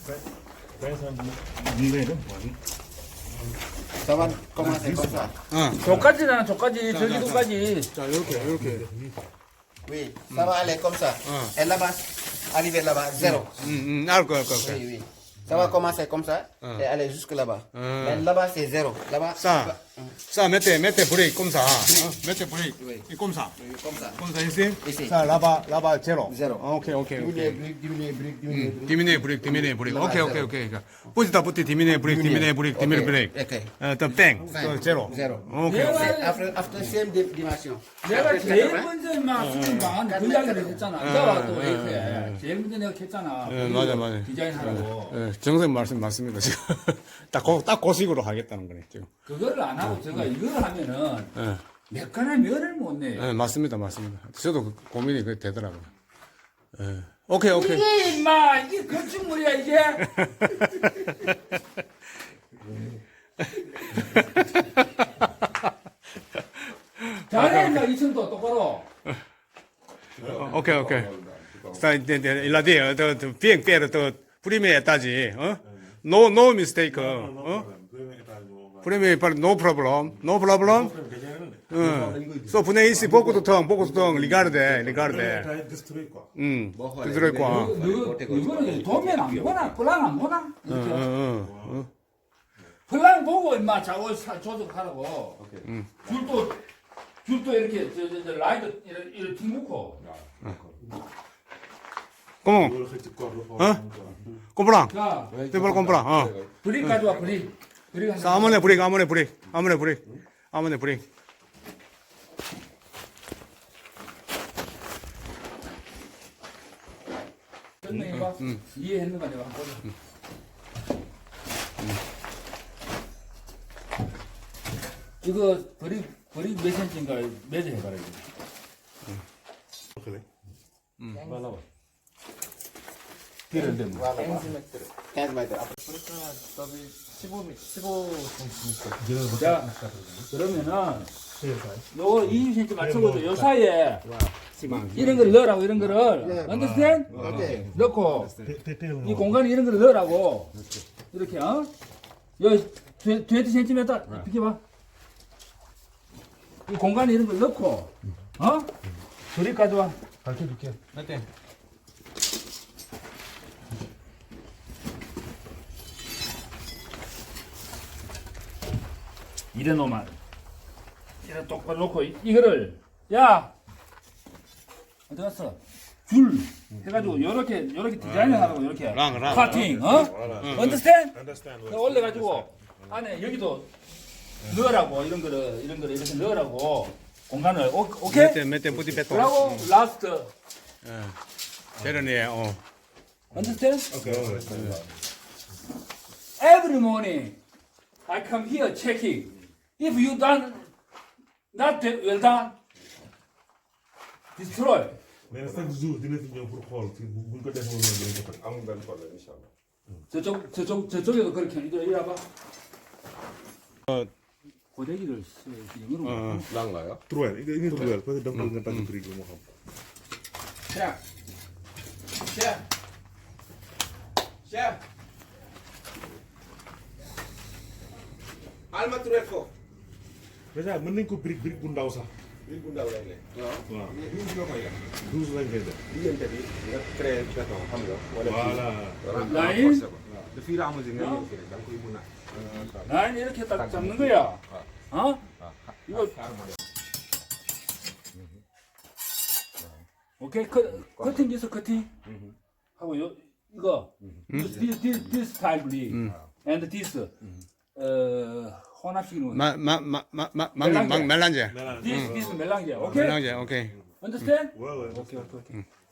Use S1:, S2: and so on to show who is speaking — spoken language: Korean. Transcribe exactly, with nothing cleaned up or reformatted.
S1: Ça va commencer comme ça.
S2: 어.
S3: 저까지잖아, 저까지, 저기도까지.
S2: 자, 이렇게, 이렇게.
S1: Oui, ça va aller comme ça.
S2: Ah.
S1: Et là-bas, arriver là-bas, zéro.
S2: 응, 응, 알 거야, 알 거야.
S1: Oui, oui. Ça va commencer comme ça
S2: Ah.
S1: et aller jusque là-bas.
S2: Ah.
S1: Mais là-bas, c'est zéro. Là-bas,
S2: 싸, 싸, 몇 대, 몇 대 브레이크, 꼼사. 어? 몇대 브레이크,
S1: Oui.
S2: 이 꼼사.
S1: oui, comme ça.
S2: 꼼사 있지?
S1: 있지.
S2: 자, 라바, 라바 제로.
S1: 제로.
S2: 어, 오케이, 오케이,
S1: Diminuer
S2: 오케이.
S1: brique, diminuer brique, diminuer brique.
S2: 디미네 브레이크, 디미네 브레이크.
S1: 라바
S2: 오케이, 오케이,
S1: 제로.
S2: 오케이. 그러니까 뿌지다 뿌지 디미네 브레이크, 디미네 브레이크, 디미네
S1: 오케이.
S2: 브레이크.
S1: 오케이.
S2: 어, 또 뺑, 또
S1: 뺑.
S2: 제로.
S1: 제로.
S2: 오케이, 오케이.
S1: C'est Après, après same di- dimension.
S3: 내가
S1: Après
S3: 제일
S1: quatre-vingts.
S3: 먼저 막 수준반 그 이야기를 했잖아. 이따가 또 이렇게 제일 먼저 내가 했잖아.
S2: 예, 맞아, 맞아.
S3: 디자인하라고.
S2: 예, 정선생 말씀 맞습니다, 지금. 딱, 고, 딱 고식으로 하겠다는 거네, 지금.
S3: 그거를 안 하고 제가 이거를 하면은
S2: 예,
S3: 몇 간의 면을 못 내요.
S2: 예, 맞습니다, 맞습니다. 저도 그 고민이 그 되더라고요. 예. 오케이, 오케이.
S3: 이게 임마 이게 건축물이야 이게. 잘해 임마 이층도 똑바로.
S2: 오케이, 오케이. 자, 이제, 이제, 일라디에, 더, 더, 비행 빼로 더, 프리미에 따지, 어? No, no mistake, 어? 프리미에 빨리, no problem, no problem. 응. So, 분해 이시, 보고도 텅, 보고도 텅, 리가르데, 리가르데. 응. 들어있고.
S3: 너 이거는 도면 안 보나? 플랑 안 보나?
S2: 응, 응, 응.
S3: 플랑 보고 임마 작업 사- 조정하라고. 줄도 줄도 이렇게 저, 저, 저 라이트 이렇게 이렇게 ทิ้ 놓고.
S2: 꼬몽, 어? 꼼프랑.
S3: 자
S2: 떼벌 꼼프랑, 어.
S3: 브릭 가져와 브릭. 브릭 한
S2: 자, 아무네 브릭, 아무네 브릭, 아무네 브릭, 아무네 브릭.
S3: 설명해봐. 이해했는가 내가 한번 보자. 이거 브릭 브릭 몇 센치인가 매저 해봐라 이거.
S1: Voilà. quinze mètres. Après,
S3: 자 그러면은 요거 이십 센치 맞춰보죠. 요 사이에 이런 걸 넣으라고 이런 거를 understand?
S1: ok.
S3: 넣고 이 공간에 이런 거를 넣으라고 이렇게 어? 요 이십 센티미터 비켜봐. 이 공간에 이런 걸 넣고 어? 조립 가져와. 가르쳐줄게.
S2: 몇
S3: 이래 놓으면 이래 똑바로 놓고 이- 이거를 야 어디 갔어? 줄 해가지고 요렇게 요렇게 디자인을 하라고 요렇게
S2: 랑, 랑.
S3: 커팅 어? 언더스탠드? 올려가지고 안에 여기도 넣으라고 이런 거를 이런 거를 이렇게 넣으라고 공간을 오, 오케이?
S2: 몇 대, 몇 대, 뿌디 뺐다.
S3: 그러고 라스트
S2: 제런이에, 어.
S3: understand? Every morning I come here checking if you done not that well done destroy.
S4: mais chaque jour dina fi ñëw pour xool fi bu buñ ko defoon noonu dinañ ko fekk amul benn problème incha allah.
S3: 저쪽 저쪽 저쪽에도 그렇게 이리 이리 와봐. 고데기를 영어로.
S5: 난가요?
S4: trouver il nga trouver parce que dafa nga tàgg prix bi moo xam.
S1: Chef. Chef. Chef. Alma trouver foofu.
S4: déjà mën nañ ko brique brique bu ndaw sax.
S5: Brique bu ndaw lay nekk.
S4: waaw
S5: mais douze nga koy def.
S4: douze lañ koy def.
S5: diggante bi nga créé béton xam nga. wala
S4: voilà.
S3: 라인?
S5: renforcer ko. de fur et à mesure nga ñëw fii rek da nga koy mun a.
S3: 난 이렇게 딱 잡는 거야. 어? 이거 오케이 커, 커팅 기서 커팅 하고 요 이거 this this this, this type and this 어 혼합식으로
S2: 마, 마, 마, 마, 마, 막, 막, 멜란제.
S3: this this 멜랑제 오케이
S2: 멜란제, 오케이.
S3: understand?
S4: waaw waaw.
S3: 오케이 오케이 오케이